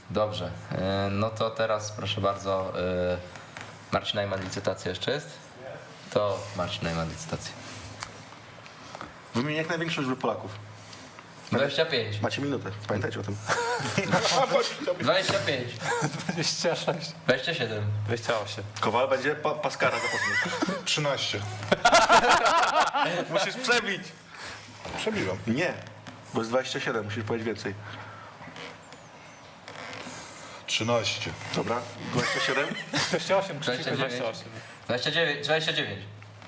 Dobrze, no to teraz proszę bardzo, Marcin Najman, licytacja jeszcze jest? To Marcin Najman, licytacja. Wymień jak największą liczbę Polaków. 25. Macie minutę, pamiętajcie o tym. 25. 26. 27. 28. Kowal będzie Paskara zapoznany. 13. Musisz przebić. Przebiłem. Nie, bo jest 27, musisz powiedzieć więcej. 13. Dobra, 27. 28. 29. 29.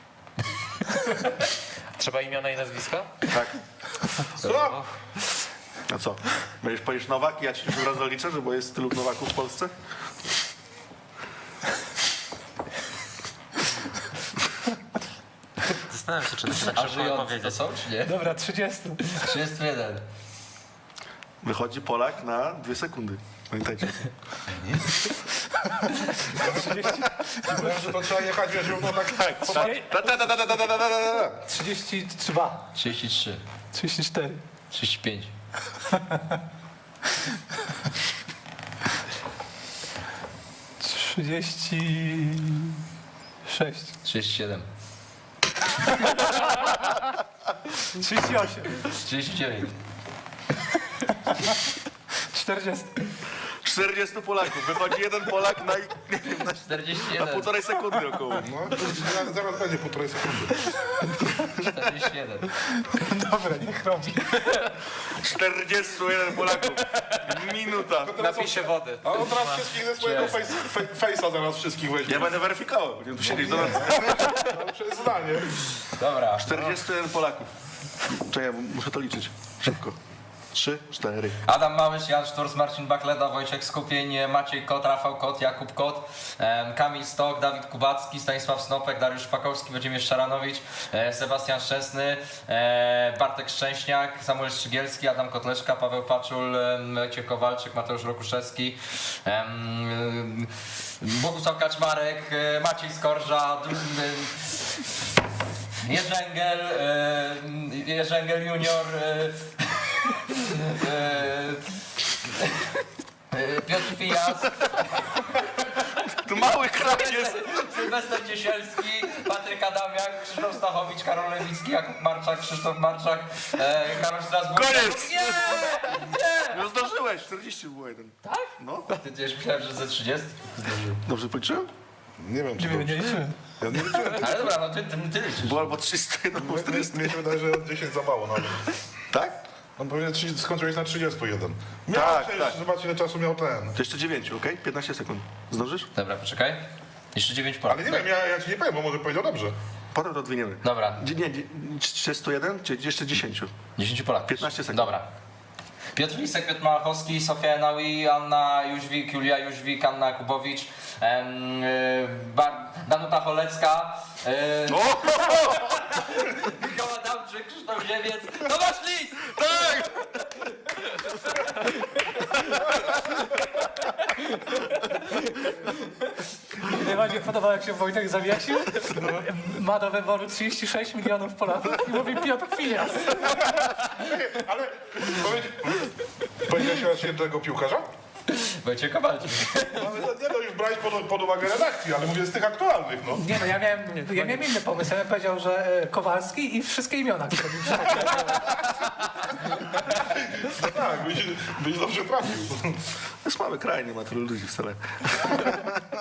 Trzeba imiona i nazwiska? Tak. Co? A co? Będziesz powiesz Nowak i ja ci już od razu liczę, że bo jest tylu Nowaków w Polsce? Zastanawiam się, czy to się tak A szybko żyjący to powiedzieć. są, czy nie? Dobra, 30. 31. Wychodzi Polak na 2 sekundy. Pamiętajcie. Myślałem, że to trzeba jechać, wiesz, równo tak. 32. 33. 34. 35. 36. 37. 38. 39. 40. 40 Polaków. Wychodzi jeden Polak na, nie wiem, na 41. półtorej sekundy około. No, zaraz będzie półtorej sekundy. 41. Dobra, niech robi. 41 Polaków. Minuta. Napisie wody. A on teraz wszystkich ze swojego face'a zaraz wszystkich weźmie. Ja będę weryfikował. Będziemy tu siedzieć do nocy. No, przez zdanie. Dobra. 41 Polaków. Czekaj, muszę to liczyć. Szybko. 3, 4. Adam Małysz, Jan Szturz, Marcin Bakleda, Wojciech Skupień, Maciej Kot, Rafał Kot, Jakub Kot, Kamil Stok, Dawid Kubacki, Stanisław Snopek, Dariusz Szpakowski, Włodzimierz Szaranowicz, Sebastian Szczesny, Bartek Szczęśniak, Samuel Szczygielski, Adam Kotleszka, Paweł Paczul, Wojciech Kowalczyk, Mateusz Rokuszewski, Bogusław Kaczmarek, Maciej Skorża, Jerzy Engel Junior, Piotr Fijas, Tu mały kraj jest. Sylwester Ciesielski, Patryk Adamiak, Krzysztof Stachowicz, Karol Lewicki, Jakub Marczak, Krzysztof Marczak, Karol Strasburg. Koniec! Nie! Nie! No zdążyłeś, 40 było jeden. Tak? No. Ty też myślałem, że ze 30 zdążył. Dobrze policzyłem? Nie wiem, czy Nie dobrze. liczymy. Ja nie liczyłem. Ale dobra, no ty liczysz. Było albo 301, albo 400. Mnie się wydaje, że 10 za mało nawet. Tak? On powinien skończyć na 31. Tak, Przecież tak. Zobaczcie, ile czasu miał ten. To jeszcze 9, okej? 15 sekund. Zdążysz? Dobra, poczekaj. Jeszcze 9 Ale Polaków. nie wiem, ja ci nie powiem, bo może powiedział dobrze. Potem to odwiniemy. Dobra, Nie, 31 czy jeszcze 10? 10 Polaków. 15 sekund. Dobra. Piotr Lisek, Piotr Malachowski, Sofia Enaui, Anna Jóźwik, Julia Jóźwik, Anna Jakubowicz, Danuta Cholecka, Michał Adamczyk, Krzysztof Ziemiec, Tomasz Lis! Tak! Mnie najbardziej podobało, jak się Wojtek zawiesił. Ma do wyboru 36 milionów Polaków i mówi Piotr Fijas. Ale powiedziałeś raz jednego piłkarza? Wojciech Kowalczyk. Ale nie no, już brałeś pod uwagę redakcji, ale mówię z tych aktualnych, no. Nie no, ja miałem inny pomysł. Ja bym powiedział, że Kowalski i wszystkie imiona, które mi przychodzą. No tak, byś dobrze trafił. To jest mały kraj, nie ma tylu ludzi wcale.